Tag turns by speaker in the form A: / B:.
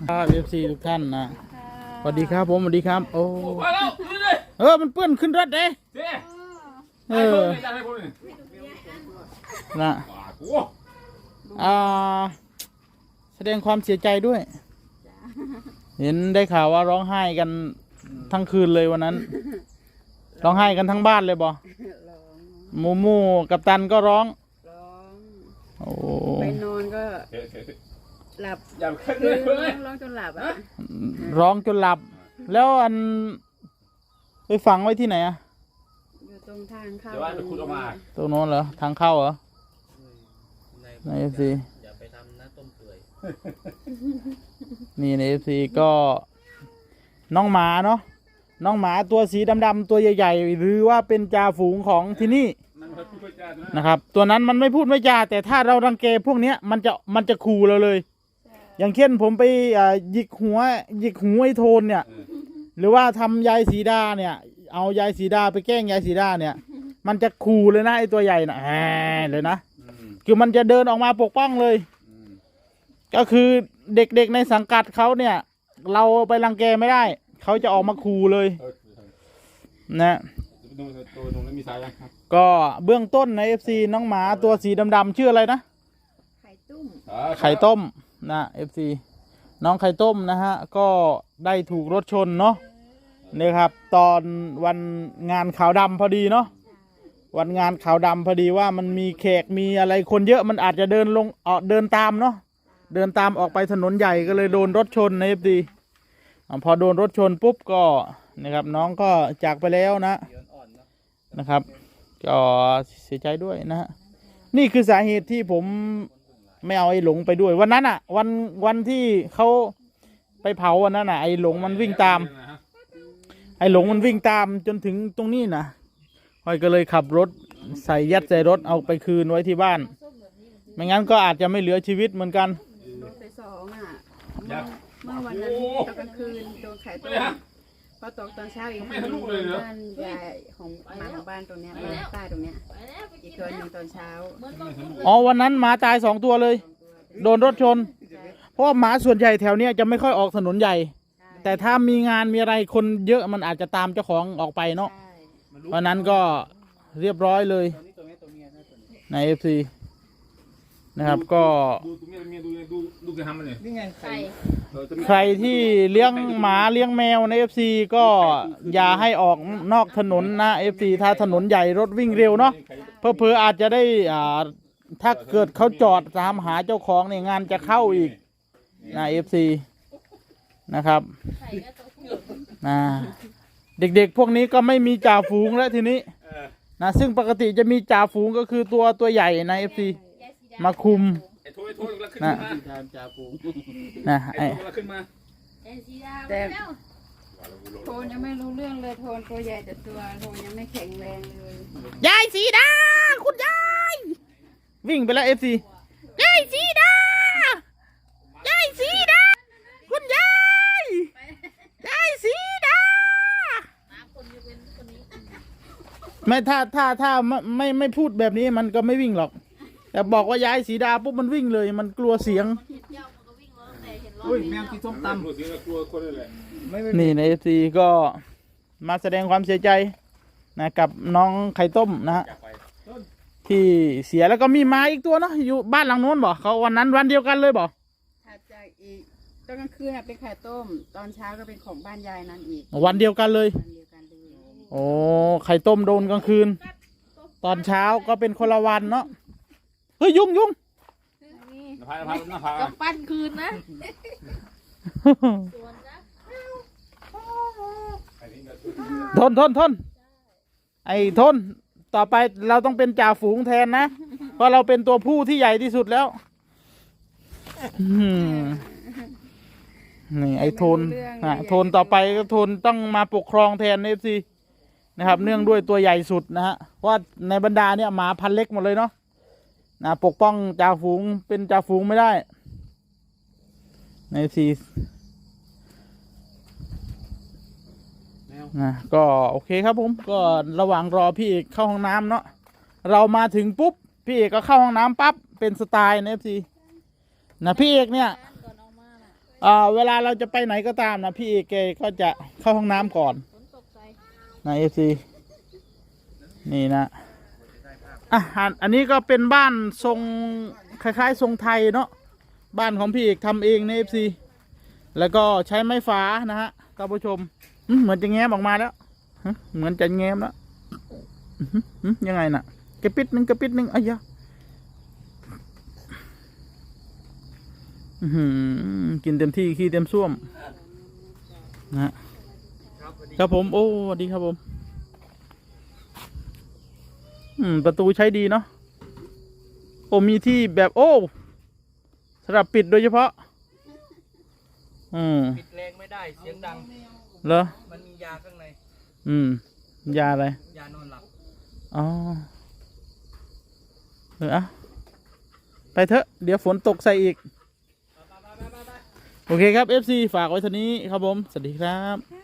A: ครับเอฟซีทุกท่านนะสวัสดีครับผมสวัสดีครับโอ้มันเปื้อนขึ้นรถเด้นะแสดงความเสียใจด้วยเห็นได้ข่าวว่าร้องไห้กันทั้งคืนเลยวันนั้นร้องไห้กันทั้งบ้านเลยบอมูกับตันก็ร้องโอ้
B: ไปนอนก็หลับร้องจนหลับ
A: ร้องจนหลับแล้วอันไปฝังไว้ที่ไหนอะ
B: อยู่ตรงทางเข้า
A: ตรงโน้นเหรอทางเข้าเหรอในเอฟซีอย่าไปทำนะต้มเปื่อยนี่ในเอฟซีก็น้องหมาเนาะน้องหมาตัวสีดำๆตัวใหญ่ๆหรือว่าเป็นจ่าฝูงของที่นี่นะครับตัวนั้นมันไม่พูดไม่จาแต่ถ้าเรารังแกพวกนี้มันจะขู่เราเลยอย่างเช่นผมไปหยิกหัวไอ้โทนเนี่ยหรือว่าทำยายสีดาเนี่ยเอายายสีดาไปแกล้งยายสีดาเนี่ยมันจะขู่เลยนะไอ้ตัวใหญ่นะเลยนะคือมันจะเดินออกมาปกป้องเลยก็คือเด็กๆในสังกัดเขาเนี่ยเราไปรังแกไม่ได้เขาจะออกมาขู่เลยนะก็เบื้องต้นใน FC น้องหมาตัวสีดำๆชื่ออะไรนะไข่ต้มนะ FC น้องไข่ต้มนะฮะก็ได้ถูกรถชนเนาะนี่ครับตอนวันงานขาวดำพอดีเนาะวันงานขาวดำพอดีว่ามันมีแขกมีอะไรคนเยอะมันอาจจะเดินลงเดินตามเนาะเดินตามออกไปถนนใหญ่ก็เลยโดนรถชนใน FC พอโดนรถชนปุ๊บก็นะครับน้องก็จากไปแล้วนะครับก็เสียใจด้วยนะฮะนี่คือสาเหตุที่ผมไม่เอาไอ้หลงไปด้วยวันนั้นอ่ะวันที่เขาไปเผาวันนั้นอ่ะไอ้หลงมันวิ่งตามจนถึงตรงนี้นะพอยก็เลยขับรถยัดใส่รถเอาไปคืนไว้ที่บ้านไม่งั้นก็อาจจะไม่เหลือชีวิตเหมือนกัน
B: รถไป2เมื่อวันนั้นตอนกลางคืนโดนไข่ต้มพอตกตอนเช้าอีกคนนึงบ้านยายของหมาของบ้านตรงเนี้ยบ้านใต้ตรงเนี้ยอีกตัวหนึ่งตอนเช้า
A: วันนั้นหมาตาย2 ตัวเลยโดนรถชนเพราะหมาส่วนใหญ่แถวเนี้ยจะไม่ค่อยออกถนนใหญ่แต่ถ้ามีงานมีอะไรคนเยอะมันอาจจะตามเจ้าของออกไปเนาะเพราะนั้นก็เรียบร้อยเลยใน FC นะครับก็ใครที่เลี้ยงหมาเลี้ยงแมวใน FC ก็อย่าให้ออกนอกถนนนะ FC ถ้าถนนใหญ่รถวิ่งเร็วเนาะเผลอๆอาจจะได้ถ้าเกิดเขาจอดตามหาเจ้าของเนี่ยงานจะเข้าอีกนะ FC นะครับเด็กๆพวกนี้ก็ไม่มีจ่าฝูงแล้วทีนี้นะซึ่งปกติจะมีจ่าฝูงก็คือตัวใหญ่ใน FC มาคุมนะ
B: แต่โทนยังไม่รู้เรื่องเลยโทนตัวใหญ่แต่ตัวโทนยังไม่แข็งแรงเลย
A: ยายสีดาคุณยายวิ่งไปแล้ว FC ยายสีดาคุณยายสีดาไม่ถ้าไม่พูดแบบนี้มันก็ไม่วิ่งหรอกแต่บอกว่ายายสีดาปุ๊บมันวิ่งเลยมันกลัวเสียง
C: แมวกินส้มตำ
A: นี่ใน FC ก็มาแสดงความเสียใจนะกับน้องไข่ต้มนะฮะที่เสียแล้วก็มีหมาอีกตัวเนาะอยู่บ้านหลังโน้นบอกเขาวันนั้นวันเดียวกันเลยบอก
B: ถัดจากอีกตอนกลางคืนเป็นไข่ต้มตอนเช้าก็เป็นของบ้านยายนั่นอีก
A: วันเดียวกันเลยโอ้ไข่ต้มโดนกลางคืนตอนเช้าก็เป็นคนละวันเนาะเฮ้ยยุ่ง
D: กับปั้นคืนนะ
A: ทนไอ้ทนต่อไปเราต้องเป็นจ่าฝูงแทนนะเพราะเราเป็นตัวผู้ที่ใหญ่ที่สุดแล้วนี่ไอ้โทนโทนต่อไปก็โทนต้องมาปกครองแทนFCนะครับเนื่องด้วยตัวใหญ่สุดนะฮะเพราะในบรรดาเนี่ยหมาพันเล็กหมดเลยเนาะนะปกป้องจ่าฝูงเป็นจ่าฝูงไม่ได้ในFCนะก็โอเคครับผมก็ระหว่างรอพี่เอกเข้าห้องน้ำเนาะเรามาถึงปุ๊บพี่เอกก็เข้าห้องน้ำปั๊บเป็นสไตล์ใน FCนะพี่เอกเนี่ยเวลาเราจะไปไหนก็ตามนะพี่เอเกก็จะเข้าห้องน้ำก่อนนะเอฟซีนี่นะอันนี้ก็เป็นบ้านทรงคล้ายๆทรงไทยเนาะบ้านของพี่เอกทำเองในเอฟซีแล้วก็ใช้ไม้ฝานะฮะท่านผู้ชมเหมือนจะแง้มออกมาแล้วเหมือนจะแง้มแล้วยังไงน่ะกระปิดหนึ่งอ้ยยะกินเต็มที่ขี้เต็มส้วมนะครับผมโอ้สวัสดีครับผมประตูใช้ดีเนาะโอ้มีที่แบบโอ้สำหรับปิดโดยเฉพาะ
C: ปิดแรงไม่ได้เสียงดัง
A: เหรอ
C: มันมียาข้างใน
A: ยาอะไร
C: ยานอนหลับ
A: อ๋อไปเถอะเดี๋ยวฝนตกใส่อีกโอเคครับ FC ฝากไว้เท่านี้ครับผมสวัสดีครับ